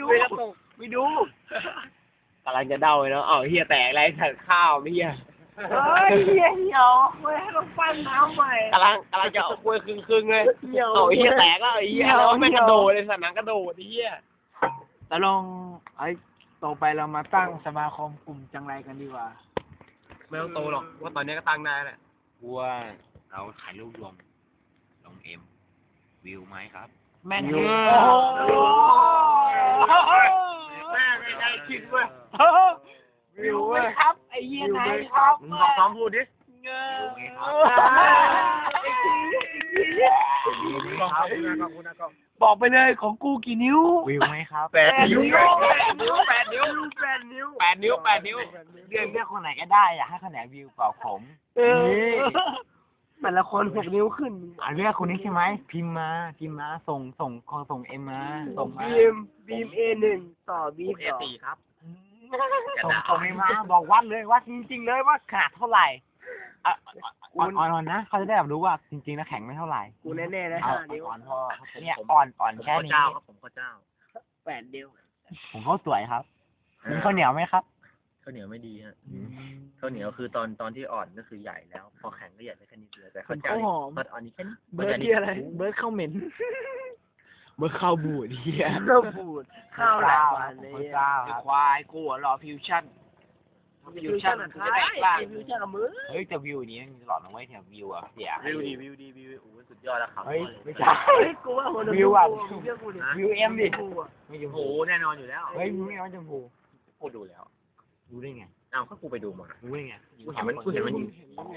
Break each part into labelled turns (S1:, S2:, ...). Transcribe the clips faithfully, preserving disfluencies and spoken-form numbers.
S1: ไม่ตกไม่ดูกำลังจะเดาเลยเนาะเอาเฮียแตกอะไรถังข้าวไม่เฮีย
S2: เฮ้ยเหี้ยเหี่ยวเว้ยให้ต้องปั้นน้ำใหม่
S1: กำลังกำลังจะเอาคุยครึ่งครึ่งเลยเอาเฮียแตกก็ไอ้เฮียแล้วไม่กระโดดเลยสนามกระโดดไอ้เฮีย
S2: แล้วลองไอ้ต่อไปเรามาตั้งสมาคมกลุ่มจังไรกันดีกว่า
S1: ไม่ต้องโตหรอกว่าตอนนี้ก็ตั้งได้แหละ
S3: กูว่าเราถ่ายรูปรวมลงเอ็มวิวไหมครับ
S2: แม่น
S1: โอ้แม่ไม่ได้คิดเว้ย
S2: วิวครับไอ้เหี้ยไหนครับ
S1: มึงลองซ้อมพูดดิ
S2: เงอบอกไปเลยของกูกี่นิ้ว
S3: วิวไหมครับ
S1: แปดนิ้วแปดนิ้วแปดนิ้วแปดนิ้วแปดนิ้วแปดนิ้ว
S3: เรียกเรียกคนไหนก็ได้อยากให้คนไหนวิวเปล่าผม
S2: แต่ละคนหกนิ้วขึ้น
S3: อ่าเรียกคนนี้ใช่ไหมพิมพ์มาพิมพ์มาส่งส่งส่งเอ็มมาส่งมา
S2: บีมบีมเอหนึ่งต่อบีม
S1: เอสี่ครับ
S3: ส่งส่งเอ็มมาบอกวัดเลยวัดจริงๆเลยว่าขนาดเท่าไหร่อ่อนอ่อนนะเขาจะได้แบบรู้ว่าจริงๆนะแข็งไม่เท่าไหร่
S2: กูแน่ๆนะห้านิ้ว
S3: อ่อนพอเนี่ยอ่อนอ่อนแค่นี้
S1: ผมข้าวเจ้า
S2: แปดนิ้ว
S3: ผมข้าวสวยครับมีข้าวเหนียวไหมครับ
S1: ข้าวเหนียวไม่ดีฮะข้าวเหนียวคือตอนตอนที่อ่อนก็คือใหญ่แล้วพอแข็งก็ใหญ่ได้แค่นี้เลยแต่ข้าวเจ้าเบิร์ดอ่อนนี้แค่นี้
S2: เบิร์ดที่อะไรเบิร์ดข้าวเหม็น
S3: เบิร์ดข้าวบูดเฮีย
S2: ข้าวบูดข้าวหลายวันเลย
S3: ควายกูรอฟิวชั่น
S2: ฟิวชั่นจะได้บ้างฟิวชั่นกับมือ
S3: เฮ้ยแต่วิวนี้ตลอดนะเว้ยแถววิวอ่ะเสีย
S1: วิวดีวิวดีวิวโอ้สุดยอดแล้วครับ
S3: เฮ้ยไม่ใช่
S2: กูว่า
S3: วิวอ่ะวิวเอ็มดิ
S1: ไม่ชมพูแน่นอนอยู่แล้ว
S3: เฮ้ยวิวไม่ชมพู
S1: กูดูแล้ว
S3: ดูได้ไง
S1: อ้าวก็กูไปดูมา
S3: ดูได้ไง
S1: กูเห็นมันกูเห็นมันอยู่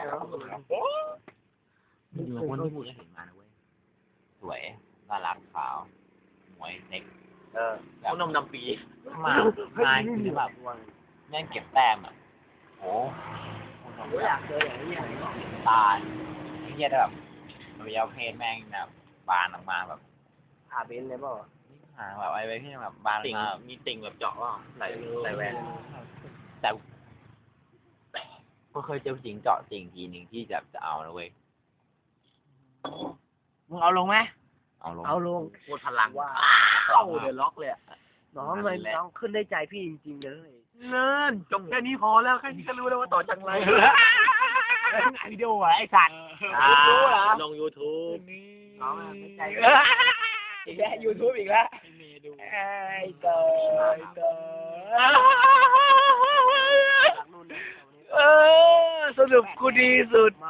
S3: ดูคนที่พูดก็เห็นมานะเว้ยสวยน่ารักขาวหมวยเด็ก
S1: เออแบบนมดำปี
S3: มาไงคือแบบแม่งเก็บแต้มอ่ะโอ้
S2: โหอยากเจออย่างนี้
S3: ตาไอ้เหี้ยแบบอวัยวะเพศแม่งแบบบานออกมาแบบ
S2: อาเบนเลยเปล่า
S3: อ่าแบบไอ้เว้ยที่แบบบานมา
S1: มีติ่งแบบเจาะว่าใส่ใส่แหวน
S3: แต่ก็เคยเจอติ่งเจาะติ่งทีหนึ่งที่จะจะเอานะเว้ย
S2: มึงเอาลงไหม
S3: เอาลง
S2: เอาลง
S1: พูดพลัง
S2: ว่า
S1: เข้าเดือดล็อกเลย
S2: น้องเลยน้องขึ้นได้ใจพี่จริงๆเลย
S1: เนินจบแค่นี้พอแล้วแค่นี้ก็รู้แล้วว่าต่อจังไร
S3: ไอวิดีโอไอสัตว์
S1: รู้เหรอลงยูทูบ
S2: น้องใจ
S1: อีกแล้วยูทูบอีกแล้ว
S2: ไอ้เต๋อเต๋อเออสรุปกูดีสุด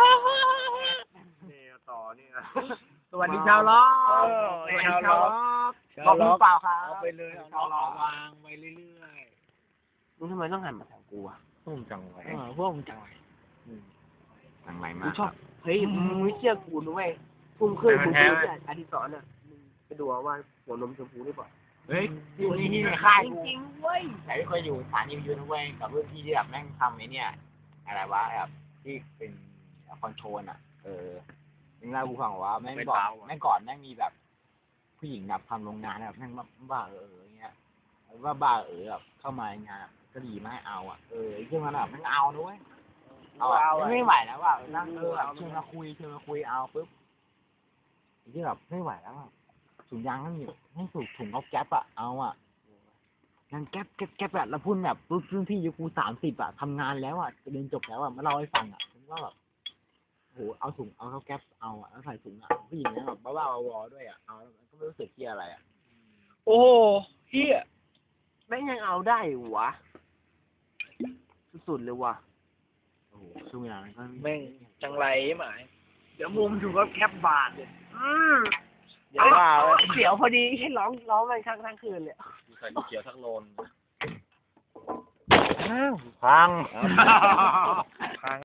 S1: นี่ต่อนี่
S2: สวัสดีชาวล็อก
S1: สวัสดีชาวล็อก
S2: บอกมึงเปล่าครับ
S1: เอาไปเลยเอาล็อกวางไปเรื่อย
S2: ๆมึงทำไมต้องหันมาทางกูอ่ะ
S1: พวกมึงจังไร
S2: เออพวกมึงจังไร
S3: จังไรมาก
S2: กูชอบเฮ้ยมึงไม่เชื่อกูนะเว้ยพุ่งขึ้นกูพูดอธิษฐานอ่ะมึงไปดูว่าหัวนมชมพูได้ป่ะ
S3: เฮ้ยอยู่ที่นี่ในค่าย
S2: จริงๆเว้ย
S3: แต่ไม่เคยอยู่สถานีวิทยุนะเว้ยกับรุ่นพี่ที่แบบแม่งทำไอ้เนี่ยอะไรวะแบบที่เป็นคอนโทรลอ่ะเออมึงเล่ากูฟังว่าแม่งบอกแม่งก่อนแม่งมีแบบผู้หญิงแบบทำโรงงานแบบแม่งบ้าเอออย่างเงี้ยว่าบ้าเออแบบเข้ามางานก็ดีไม่เอาอ่ะเออเรื่องนั้นแบบแม่งเอาด้วยเอาเอาไม่ไหวแล้วว่านั่งเออแบบเชิญมาคุยเชิญมาคุยเอาปุ๊บที่แบบไม่ไหวแล้วถุงยางนั่นอยู่ให้สูบถุงเอาแก๊ปอะเอาอะนั่นแก๊ปแก๊ปแก๊ปอะแล้วพูดแบบรุ่นรุ่นพี่ยุคกูสามสิบอะทำงานแล้วอะเรียนจบแล้วอะมาเล่าให้ฟังอะผมว่าแบบโหเอาถุงเอาเขาแก๊ปเอาอะแล้วใส่ถุงอะผู้หญิงเนี่ยแบบบ้าๆวอๆด้วยอะเอาแล้วก็ไม่รู้สึกเที่ยอะไรอะ
S2: โอ้เฮียแม่งยังเอาได้วะสุดๆเลยวะ
S3: โอ้โหช่วงเวลานั้นก็
S2: แม่งจังไรหมายเดี๋ยวมุมถูกก็แคปบาทเลยเดี๋ยวว่าเสียวพอดีให้ร้องร้องมันทั้งทั้งคืนเลย
S1: ใส่เขียวทั้งโลน
S3: พัง